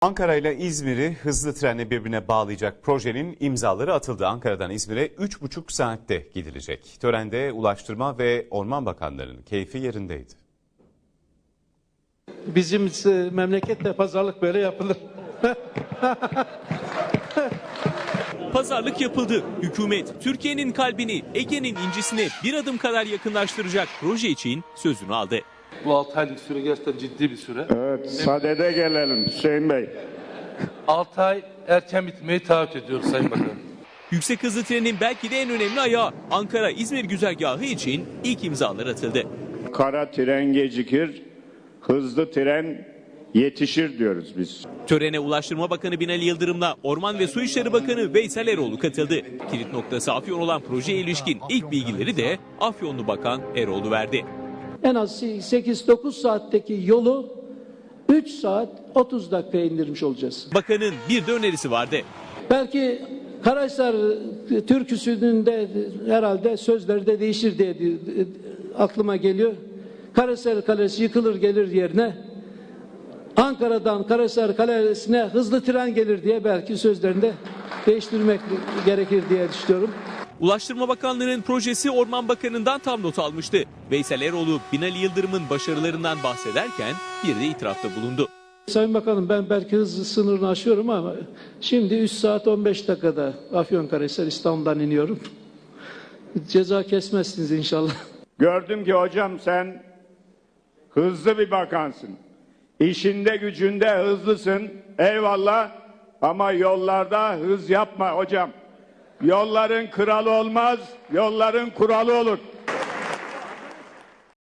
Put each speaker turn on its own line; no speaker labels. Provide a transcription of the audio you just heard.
Ankara ile İzmir'i hızlı trenle birbirine bağlayacak projenin imzaları atıldı. Ankara'dan İzmir'e 3,5 saatte gidilecek. Törende Ulaştırma ve Orman Bakanları'nın keyfi yerindeydi.
Bizim memlekette pazarlık böyle yapılır.
Pazarlık yapıldı. Hükümet Türkiye'nin kalbini Ege'nin incisine bir adım kadar yakınlaştıracak proje için sözünü aldı.
Bu 6 aylık süre gerçekten ciddi bir süre.
Evet, sadede gelelim Hüseyin Bey.
6 ay erken bitmeyi taahhüt ediyoruz Sayın Bakan.
Yüksek hızlı trenin belki de en önemli ayağı Ankara-İzmir güzergahı için ilk imzalar atıldı.
Kara tren gecikir, hızlı tren yetişir diyoruz biz.
Törene Ulaştırma Bakanı Binali Yıldırım'la Orman ve Su İşleri Bakanı Veysel Eroğlu katıldı. Kilit noktası Afyon olan projeye ilişkin ilk bilgileri de Afyonlu Bakan Eroğlu verdi.
En az 8-9 saatteki yolu 3 saat 30 dakikaya indirmiş olacağız.
Bakanın bir de önerisi vardı.
Belki Karahisar türküsünün de herhalde sözleri de değişir diye aklıma geliyor. Karahisar Kalesi yıkılır gelir yerine Ankara'dan Karahisar Kalesi'ne hızlı tren gelir diye belki sözlerini değiştirmek gerekir diye düşünüyorum.
Ulaştırma Bakanlığı'nın projesi Orman Bakanı'ndan tam not almıştı. Veysel Eroğlu, Binali Yıldırım'ın başarılarından bahsederken bir de itirafta bulundu.
Sayın Bakanım, ben belki hız sınırını aşıyorum ama şimdi 3 saat 15 dakikada Afyonkarahisar İstanbul'dan iniyorum. Ceza kesmezsiniz inşallah.
Gördüm ki hocam sen hızlı bir bakansın. İşinde gücünde hızlısın, eyvallah, ama yollarda hız yapma hocam. Yolların kralı olmaz, yolların kuralı olur.